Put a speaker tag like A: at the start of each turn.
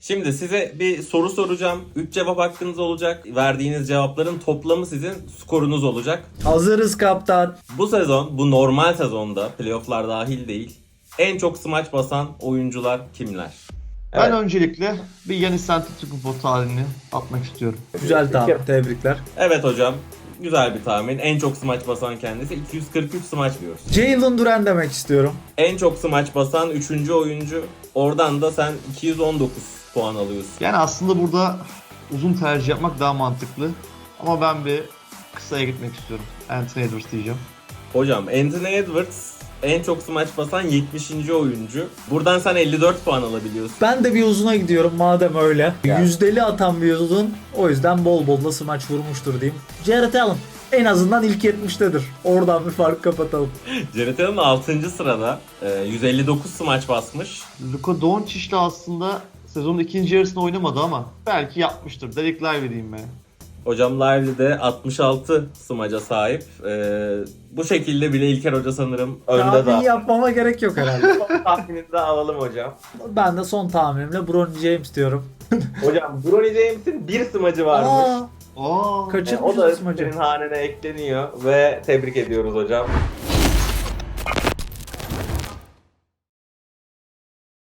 A: Şimdi size bir soru soracağım. 3 cevap hakkınız olacak. Verdiğiniz cevapların toplamı sizin skorunuz olacak.
B: Hazırız kaptan.
A: Bu sezon, bu normal sezonda, playofflar dahil değil, en çok smaç basan oyuncular kimler?
C: Ben öncelikle bir Giannis Antetokounmpo tarihini atmak istiyorum.
B: Güzel tahmin. Tebrikler.
A: Evet hocam, güzel bir tahmin. En çok smaç basan kendisi. 243 smaç diyoruz.
B: Jalen Duren demek istiyorum.
A: En çok smaç basan 3. oyuncu. Oradan da sen 219 puan alıyorsun.
C: Yani aslında burada uzun tercih yapmak daha mantıklı. Ama ben bir kısaya gitmek istiyorum. Anthony Edwards diyeceğim.
A: Hocam Anthony Edwards en çok smaç basan 70. oyuncu. Buradan sen 54 puan alabiliyorsun.
B: Ben de bir uzuna gidiyorum madem öyle. Yüzdeli atan bir uzun. O yüzden bol bol da smaç vurmuştur diyeyim. Jarrett Allen. En azından ilk 70'tedir. Oradan bir fark kapatalım.
A: Jarrett Allen 6. sırada 159 smaç basmış.
C: Luka Doncic de aslında sezonun ikinci yarısında oynamadı ama belki yapmıştır. Derek Lively diyeyim ben.
A: Hocam Lively'de 66 smaca sahip. Bu şekilde bile İlker Hoca sanırım önde
B: Tahmin
A: daha.
B: yapmama gerek yok herhalde.
A: Son tahminini de alalım hocam.
B: Ben de son tahminimle Bron James diyorum.
A: Hocam Bronny James'in bir smacı varmış.
B: Aa,
C: Aa,
A: O
B: kaçırmışız
A: da
B: smacı.
A: senin hanene ekleniyor ve tebrik ediyoruz hocam.